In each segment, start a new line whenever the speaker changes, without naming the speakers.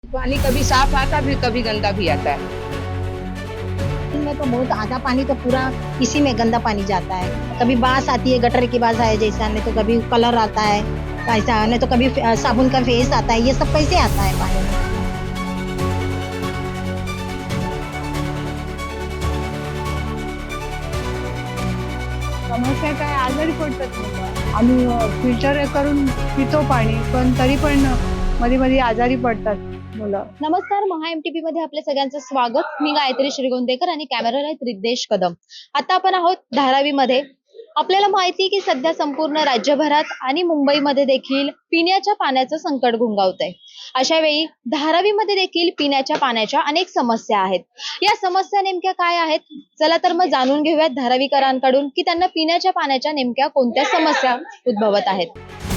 पानी कभी साफ आता फिर कभी गंदा भी आता है।
में तो बहुत आधा पानी तो पूरा इसी में गंदा पानी जाता है। कभी बास आती है, गटर की बास है जैसा, नहीं तो कभी कलर आता है ऐसा, नहीं तो कभी साबुन का फेस आता है। ये सब कैसे आता है पानी में?
समस्या काय, आजारी पडतात मुलं. आम्ही फिल्टर करून पितो पाणी, पण तरी पण मध्ये मध्ये आजारी पडतात मुलं.
नमस्कार, महा एमटीपी मध्ये आपल्या सगळ्यांचं स्वागत. मी गायत्री श्रीगोंदेकर आणि कॅमेराला आहे रिद्देश कदम. आता आपण आहोत धारावी मध्ये. आपल्याला माहिती आहे की सध्या संपूर्ण राज्यभरात आणि मुंबईमध्ये देखील पिण्याच्या पाण्याचं संकट घुंगावतंय. अशा वेळी धारावीमध्ये देखील पिण्याच्या पाण्याच्या अनेक समस्या आहेत. या समस्या नेमक्या काय आहेत, चला तर मग जाणून घेऊयात धारावीकरांकडून की त्यांना पिण्याच्या पाण्याच्या नेमक्या कोणत्या समस्या उद्भवत आहेत.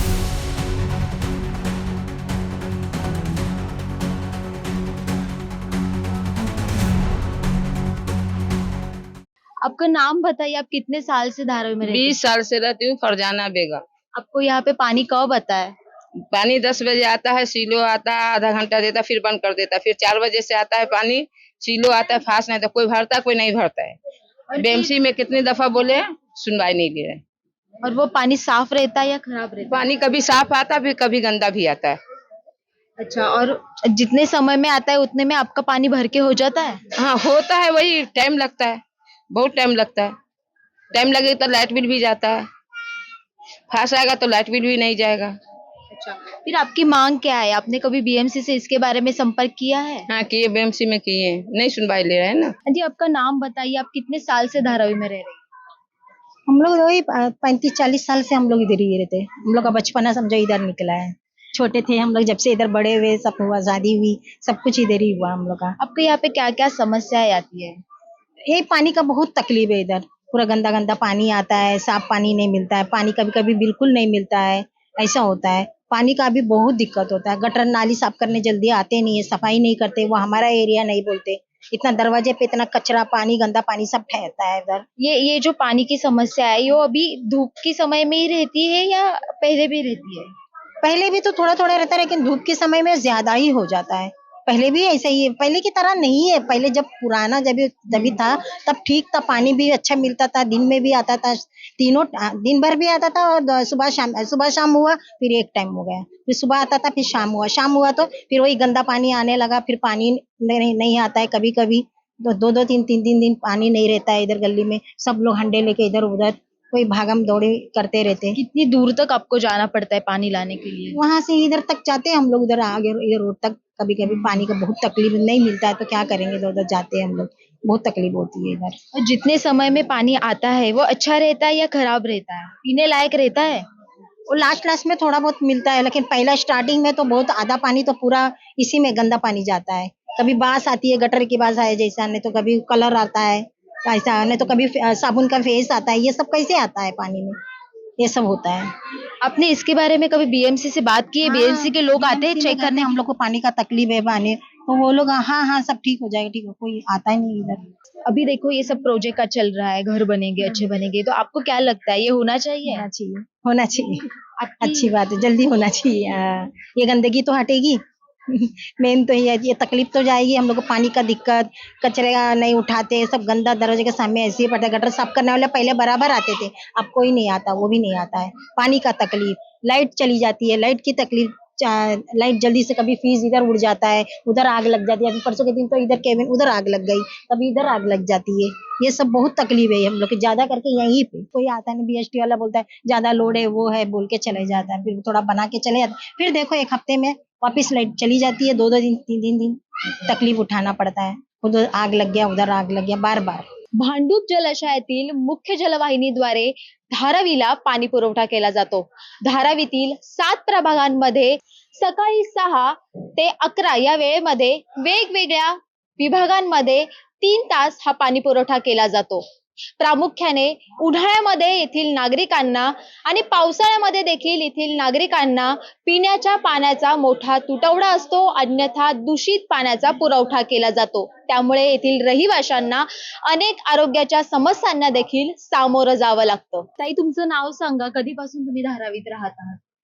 आपका नाम बताइए, आप कितने साल से धारावी में रहते हैं?
20 साल से रहती हूँ, फरजाना बेगम।
आपको यहाँ पे पानी कब आता है?
पानी 10 बजे आता है, सीलो आता है, आधा घंटा देता फिर बंद कर देता, फिर 4 बजे से आता है पानी, सीलो आता है, फास्ट नहीं तो कोई भरता कोई नहीं भरता है। बीएमसी में कितनी दफा बोले, सुनवाई नहीं ले रहे।
और वो पानी साफ रहता है या खराब रहता है?
पानी कभी साफ आता फिर कभी गंदा भी आता है।
अच्छा, और जितने समय में आता है उतने में आपका पानी भर के हो जाता है?
हाँ होता है, वही टाइम लगता है, बहुत टाइम लगता है। टाइम लगे तो लाइट बिल भी जाता है, फास्ट आएगा तो लाइट बिल भी नहीं जाएगा।
अच्छा, फिर आपकी मांग क्या है? आपने कभी बीएमसी से इसके बारे में संपर्क किया है?
हाँ किए, बीएमसी में किए, नहीं सुनवाई ले रहे हैं ना।
जी, आपका नाम बताइए, आप कितने साल से धारावी में रह रहे हैं?
हम लोग वही 35-40 साल से हम लोग इधर ही रहते हैं। हम लोग का बचपना समझो इधर निकला है। छोटे थे हम लोग, जब से इधर बड़े हुए, सब हुआ, शादी हुई, सब कुछ इधर ही हुआ हम लोग का।
आपके यहाँ पे क्या क्या समस्याएं आती है?
ये पानी का बहुत तकलीफ है इधर। पूरा गंदा गंदा पानी आता है, साफ पानी नहीं मिलता है, पानी कभी कभी बिल्कुल नहीं मिलता है, ऐसा होता है। पानी का भी बहुत दिक्कत होता है। गटर नाली साफ करने जल्दी आते नहीं है, सफाई नहीं करते, वो हमारा एरिया नहीं बोलते। इतना दरवाजे पे इतना कचरा पानी, गंदा पानी सब ठहरता है इधर।
ये जो पानी की समस्या है, ये अभी धूप के समय में ही रहती है या पहले भी रहती है?
पहले भी तो थोड़ा थोड़ा रहता है, लेकिन धूप के समय में ज्यादा ही हो जाता है। पहले भी ऐसा ही है, पहले की तरह नहीं है। पहले जब पुराना जब भी था तब ठीक था, पानी भी अच्छा मिलता था, दिन में भी आता था, तीनों दिन भर भी आता था, और सुबह शाम हुआ, फिर एक टाइम हो गया, फिर सुबह आता था, फिर शाम हुआ तो फिर वही गंदा पानी आने लगा। फिर पानी नहीं आता है, कभी कभी तो दो तीन दिन पानी नहीं रहता है इधर गली में। सब लोग हंडे लेके इधर उधर कोई भागम दौड़ी करते रहते हैं।
कितनी दूर तक आपको जाना पड़ता है पानी लाने के लिए?
वहां से इधर तक जाते हैं हम लोग, उधर आगे इधर रोड तक। कभी कभी पानी का बहुत तकलीफ, नहीं मिलता है तो क्या करेंगे, इधर उधर जाते हैं हम लोग, बहुत तकलीफ होती है इधर।
और जितने समय में पानी आता है वो अच्छा रहता है या खराब रहता है, पीने लायक रहता है?
और लास्ट में थोड़ा बहुत मिलता है, लेकिन पहला स्टार्टिंग में तो बहुत आधा पानी तो पूरा इसी में गंदा पानी जाता है। कभी बास आती है, गटर की बास है जैसा, नहीं तो कभी कलर आता है ऐसा, नहीं तो कभी साबुन का फेस आता है। ये सब कैसे आता है पानी में? ये सब होता है।
आपने इसके बारे में कभी बीएमसी से बात की है? बीएमसी के लोग आते हैं चेक करने?
हम लोग को पानी का तकलीफ है पानी, तो वो लोग हाँ सब ठीक हो जाएगा, ठीक है, कोई आता ही नहीं इधर।
अभी देखो ये सब प्रोजेक्ट का चल रहा है, घर बनेंगे, अच्छे बनेंगे, तो आपको क्या लगता है ये होना चाहिए?
होना चाहिए, अच्छी बात है, जल्दी होना चाहिए। ये गंदगी तो हटेगी। मेन तो ये तकलीफ तो जाएगी। हम लोग को पानी का दिक्कत, कचरे नहीं उठाते, सब गंदा दरवाजे के सामने ऐसे ही पड़ता है। गटर साफ करने वाले पहले बराबर आते थे, अब कोई नहीं आता, वो भी नहीं आता है। पानी का तकलीफ, लाइट चली जाती है, लाइट की तकलीफ, लाइट जल्दी से कभी फ्यूज इधर उड़ जाता है, उधर आग लग जाती है। अभी परसों के दिन तो इधर केबिन उधर आग लग गई, कभी इधर आग लग जाती है। ये सब बहुत तकलीफ है हम लोग की, ज्यादा करके यहीं पे। कोई आता है, बीएसटी वाला बोलता है ज्यादा लोड है, वो है बोल के चले जाता है, फिर थोड़ा बना के चले जाते, फिर देखो एक हफ्ते में वापिस लाइट चली जाती है। 2 दिन 3 दिन तकलीफ उठाना पड़ता है। उधर आग लग गया, उधर आग लग गया, बार बार।
भांडूप जलाशयातील मुख्य जलवाहिनीद्वारे धारावीला पाणी पुरवठा केला जातो. धारावीतील 7 प्रभागांमध्ये सकाळी 6 ते 11 या वेळेमध्ये वेगवेगळ्या विभागांमध्ये 3 तास हा पाणी पुरवठा केला जातो. प्रामुख्याने उन्हाळ्यामध्ये येथील नागरिकांना आणि पावसाळ्यामध्ये देखील येथील नागरिकांना पिण्याच्या पाण्याचा मोठा तुटवडा असतो, अन्यथा दूषित पाण्याचा पुरवठा केला जातो. त्यामुळे येथील रहिवाशांना अनेक आरोग्याच्या समस्यांना देखील सामोरं जावं लागतं. ताई, तुमचं नाव सांगा, कधीपासून तुम्ही धारावीत राहत आहात?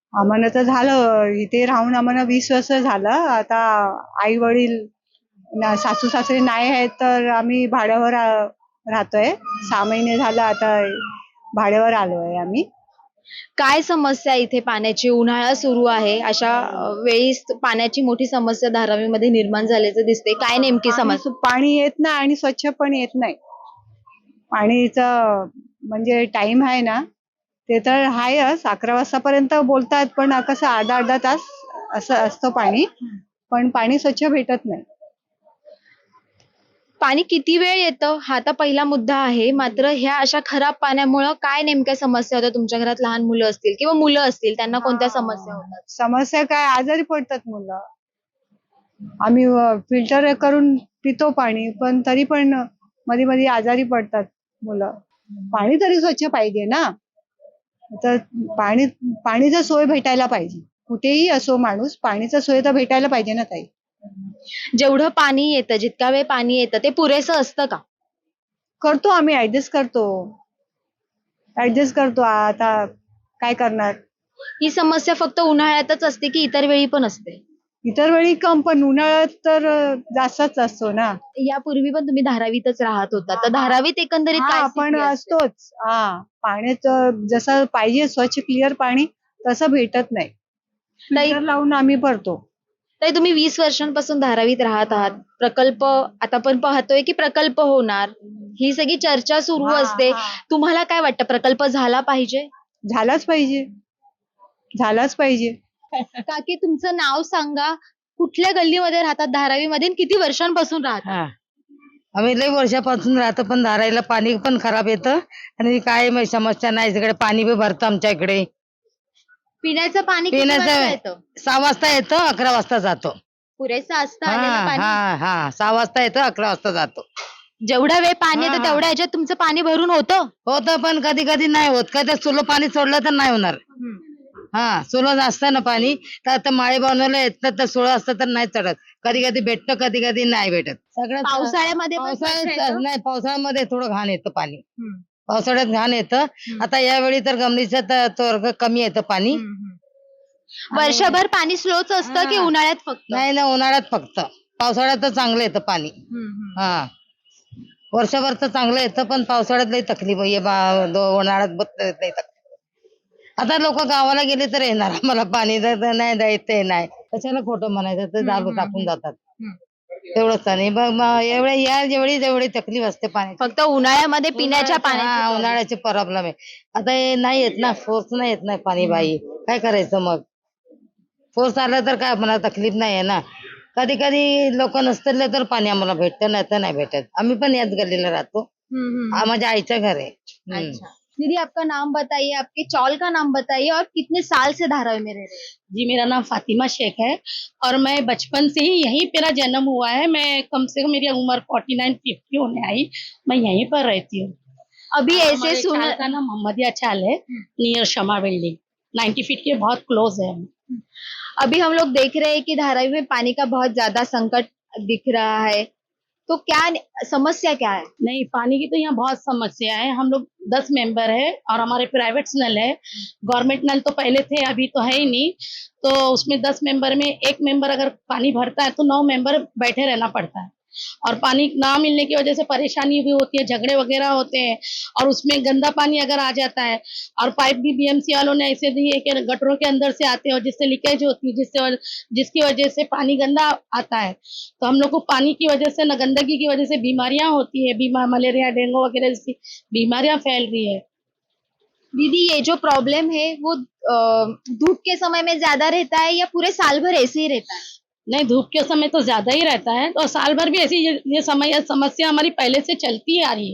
आम्हाला तर झालं इथे राहून आम्हाला 20 वर्ष झालं. आता आई वडील सासू सासरे नाही आहेत तर आम्ही भाड्यावर राहतोय. 6 महिने झालं आता भाड्यावर आलोय आम्ही.
काय समस्या आहे इथे पाण्याची? उन्हाळा सुरू आहे, अशा वेळी पाण्याची मोठी समस्या धारावीमध्ये निर्माण झाल्याचं दिसते. काय नेमकी समस्या?
पाणी येत नाही आणि स्वच्छ पण येत नाही. पाणीचं म्हणजे टाइम आहे ना ते तर आहेच 11 वाजतापर्यंत बोलतात, पण कसं अर्धा तास असं असतं पाणी, पण पाणी स्वच्छ भेटत नाही.
पाणी किती वेळ येतं हा तर पहिला मुद्दा आहे. मात्र ह्या अशा खराब पाण्यामुळं काय नेमक्या समस्या होत्या? तुमच्या घरात लहान मुलं असतील किंवा मुलं असतील, त्यांना कोणत्या समस्या होतात?
समस्या काय, आजारी पडतात मुलं. आम्ही फिल्टर करून पितो पाणी, पण तरी पण मध्ये मध्ये आजारी पडतात मुलं. पाणी तरी स्वच्छ पाहिजे ना. तर पाणीचं सोय भेटायला पाहिजे. कुठेही असो माणूस, पाणीचं सोय तर भेटायला पाहिजे ना ताई.
जेवढं पाणी येतं, जितका वेळ पाणी येतं ते पुरेसं असतं का?
करतो आम्ही ऍडजस्ट करतो. आता काय करणार.
ही समस्या फक्त उन्हाळ्यातच असते की इतर वेळी पण असते?
इतर वेळी कम, पण उन्हाळ्यात तर जास्तच असतो ना.
यापूर्वी पण तुम्ही धारावीतच राहत होता, तर धारावीत एकंदरीत काय
आपण
स्थिती असते?
असतोच. पाण्याचं जसं पाहिजे स्वच्छ क्लिअर पाणी तसं भेटत नाही. फिल्टर लावून आम्ही भरतो.
ताई, तुम्ही 20 वर्षांपासून धारावीत राहत आहात. प्रकल्प आता पण पाहतोय की प्रकल्प होणार, ही सगळी चर्चा सुरू असते. तुम्हाला काय वाटतं, प्रकल्प झाला पाहिजे?
झालाच पाहिजे.
काकी, तुमचं नाव सांगा. कुठल्या गल्लीमध्ये राहतात धारावीमध्ये आणि किती वर्षांपासून राहतात?
हा, आम्ही लई वर्षापासून राहतो, पण धारायला पाणी पण खराब येतं आणि काय समस्या नाही. इकडे पाणी बी भरतं आमच्या इकडे.
पिण्याचं पाणी किती वाजता येतं?
6 वाजता येतं, 11 वाजता जातो.
पुरेसं असतं आलेलं पाणी?
6 वाजता येतं, 11 वाजता जातो.
जेवढा वेळ पाणी येतं तेवढ्या ह्याच्यात तुमचं पाणी भरून होतं?
पण कधी कधी नाही होत. कधी सुलो पाणी सोडलं तर नाही होणार. सुलो असतं ना पाणी, तर आता माळे बनवलं येतं तर सोळं असतं तर नाही चढत. कधी कधी भेटतं, कधी कधी नाही भेटत. सगळं
पावसाळ्यामध्ये पण स्वच्छ येतं?
नाही, पावसाळ्यामध्ये थोडं घाण येतं पाणी. पावसाळ्यात घाण येतं. आता यावेळी तर गमनीचं तर कमी येतं पाणी.
वर्षभर पाणी स्लोच असतं की उन्हाळ्यात फक्त?
नाही ना, उन्हाळ्यात फक्त. पावसाळ्यात तर चांगलं येतं पाणी. वर्षभर तर चांगलं येतं, पण पावसाळ्यात लई तकलीफ उन्हाळ्यात नाही तकलीफ. आता लोक गावाला गेले तर येणार आम्हाला पाणी, नाही द्यायचं नाही. कशाला खोटं म्हणायचं, तर दारू टाकून जातात. तेवढंच नाही. जेवढी तकलीफ असते पाणी,
फक्त उन्हाळ्यामध्ये पिण्याच्या पाण्याची
उन्हाळ्याचे प्रॉब्लेम आहे. आता हे नाही येत ना, फोर्स नाही येत नाही पाणी. बाई काय करायचं मग? फोर्स आला तर काय, मला तकलीफ नाही आहे ना. कधी कधी लोक नसतील तर पाणी आम्हाला भेटतं, नाही तर नाही भेटत. आम्ही पण याच गल्लीला राहतो. माझ्या आईचं घर आहे.
अच्छा दीदी, आपका नाम बताइए, आपके चौल का नाम बताइए और कितने साल से धारावी में रह रहे हैं?
जी, मेरा नाम फातिमा शेख है और मैं बचपन से ही यहीं मेरा जन्म हुआ है। मैं कम से कम मेरी उम्र 49-50 होने आई, मैं यहीं पर रहती हूँ।
अभी
हमारे
ऐसे सुन
चाल का नाम मोहम्मदिया चाल है, नियर शमा बिल्डिंग, 90 फीट के बहुत क्लोज है हम।
अभी हम लोग देख रहे हैं कि धारावी में पानी का बहुत ज्यादा संकट दिख रहा है, तो क्या समस्या क्या है?
नहीं, पानी की तो यहाँ बहुत समस्या है। हम लोग 10 मेंबर है और हमारे प्राइवेट नल है। गवर्नमेंट नल तो पहले थे, अभी तो है ही नहीं। तो उसमें 10 मेंबर में एक मेंबर अगर पानी भरता है तो 9 मेंबर बैठे रहना पड़ता है, और पानी ना मिलने की वजह से परेशानी भी होती है, झगड़े वगैरह होते हैं। और उसमें गंदा पानी अगर आ जाता है, और पाइप भी बीएमसी वालों ने ऐसे दी है कि गटरों के अंदर से आते हैं और जिससे लीकेज होती है, जिसकी वजह से पानी गंदा आता है। तो हम लोग को पानी की वजह से, न गंदगी की वजह से बीमारियां होती है, मलेरिया, डेंगू वगैरह जैसी बीमारियां फैल रही है।
दीदी, ये जो प्रॉब्लम है वो धूप के समय में ज्यादा रहता है या पूरे साल भर ऐसे ही रहता है?
नहीं, धूप के समय तो ज्यादा ही रहता है, तो साल भर भी ऐसी ये समस्या हमारी पहले से चलती ही आ रही है।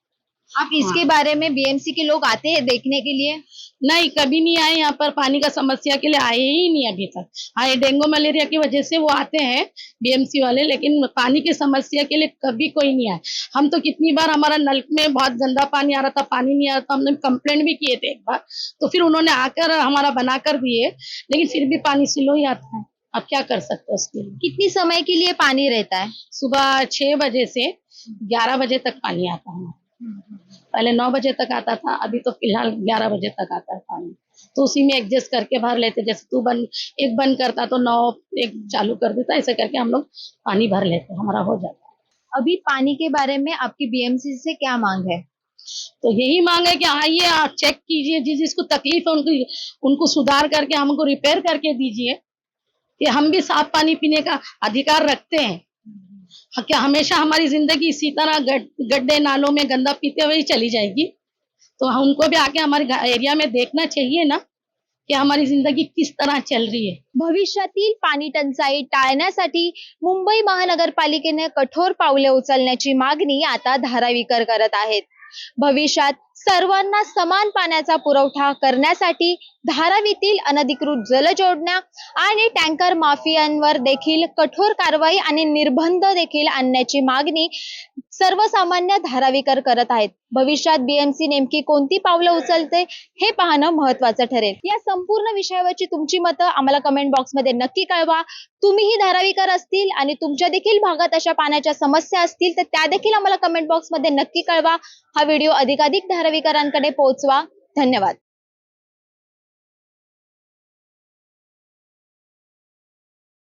आप इसके बारे में बीएमसी के लोग आते हैं देखने के लिए?
नहीं, कभी नहीं आए यहाँ पर, पानी का समस्या के लिए आए ही नहीं अभी तक। हाँ, ये डेंगू मलेरिया की वजह से वो आते हैं बीएमसी वाले, लेकिन पानी की समस्या के लिए कभी कोई नहीं आया। हम तो कितनी बार, हमारा नल में बहुत गंदा पानी आ रहा था, पानी नहीं आ रहा था, हमने कंप्लेंट भी किए थे एक बार, तो फिर उन्होंने आकर हमारा बना कर दिए, लेकिन फिर भी पानी स्लो ही आता है। अब क्या कर सकते हैं उसके लिए?
कितनी समय के लिए पानी रहता है?
सुबह 6 बजे से 11 बजे तक पानी आता है। पहले 9 बजे तक आता था, अभी तो फिलहाल 11 बजे तक आता है पानी। तो उसी में एडजस्ट करके भर लेते, जैसे तू एक बंद करता तो 9 एक चालू कर देता, ऐसे करके हम लोग पानी भर लेते, हमारा हो जाता।
अभी पानी के बारे में आपकी बीएमसी से क्या मांग है?
तो यही मांग है कि आइए आप चेक कीजिए, जिसको तकलीफ है उनको सुधार करके हमको रिपेयर करके दीजिए, कि हम भी साफ पानी पीने का अधिकार रखते हैं। क्या हमेशा हमारी जिंदगी इसी तरह गड्ढे नालों में गंदा पीते हुए ही चली जाएगी? तो उनको भी आके हमारे एरिया में देखना चाहिए ना कि हमारी जिंदगी किस तरह चल रही है।
भविष्यातील पाणी टंचाई टाळण्यासाठी मुंबई महानगरपालिकेने कठोर पावले उचलण्याची मागणी आता धारावीकर करत आहेत। भविष्यात सर्वांना समान पाण्याचा पुरवठा करण्यासाठी धारावीतील अनधिकृत जलजोडण्या आणि टँकर माफियांवर देखील कठोर कारवाई आणि निर्बंध देखील आणण्याची मागणी सर्वसामान्य धारावीकर करत आहेत। भविष्यात बीएमसी नेमकी कोणती पावलं उचलते हे पाहणं महत्त्वाचं ठरेल। या संपूर्ण विषयावरची तुमची मतं आम्हाला कमेंट बॉक्समध्ये नक्की कळवा। तुम्हीही धारावीकर असतील आणि तुमच्या देखील भागात अशा पाण्याच्या समस्या असतील तर त्या देखील आम्हाला कमेंट बॉक्समध्ये नक्की कळवा। हा व्हिडिओ अधिकाधिक धारावीकरांकडे पोहोचवा। धन्यवाद।